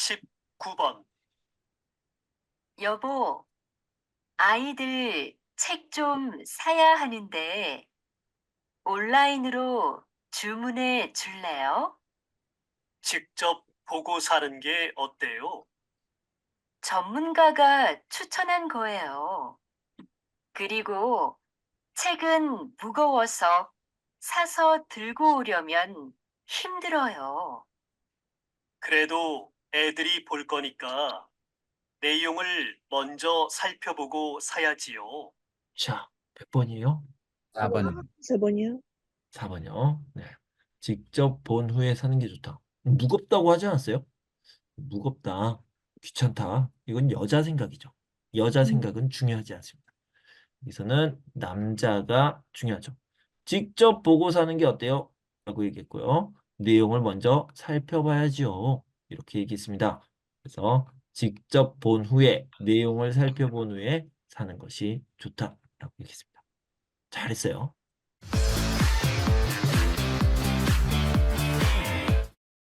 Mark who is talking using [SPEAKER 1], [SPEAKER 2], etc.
[SPEAKER 1] 19번.
[SPEAKER 2] 여보, 아이들 책 좀 사야 하는데 온라인으로 주문해 줄래요?
[SPEAKER 1] 직접 보고 사는 게 어때요?
[SPEAKER 2] 전문가가 추천한 거예요. 그리고 책은 무거워서 사서 들고 오려면 힘들어요.
[SPEAKER 1] 그래도 애들이 볼 거니까 내용을 먼저 살펴보고 사야지요.
[SPEAKER 3] 자, 몇 번이에요?
[SPEAKER 4] 4번이요.
[SPEAKER 5] 4번이요?
[SPEAKER 3] 4번이요. 네. 직접 본 후에 사는 게 좋다. 무겁다고 하지 않았어요? 무겁다, 귀찮다. 이건 여자 생각이죠. 여자 생각은 중요하지 않습니다. 여기서는 남자가 중요하죠. 직접 보고 사는 게 어때요? 라고 얘기했고요. 내용을 먼저 살펴봐야지요. 이렇게 얘기했습니다. 그래서 직접 본 후에 내용을 살펴본 후에 사는 것이 좋다라고 얘기했습니다. 잘했어요.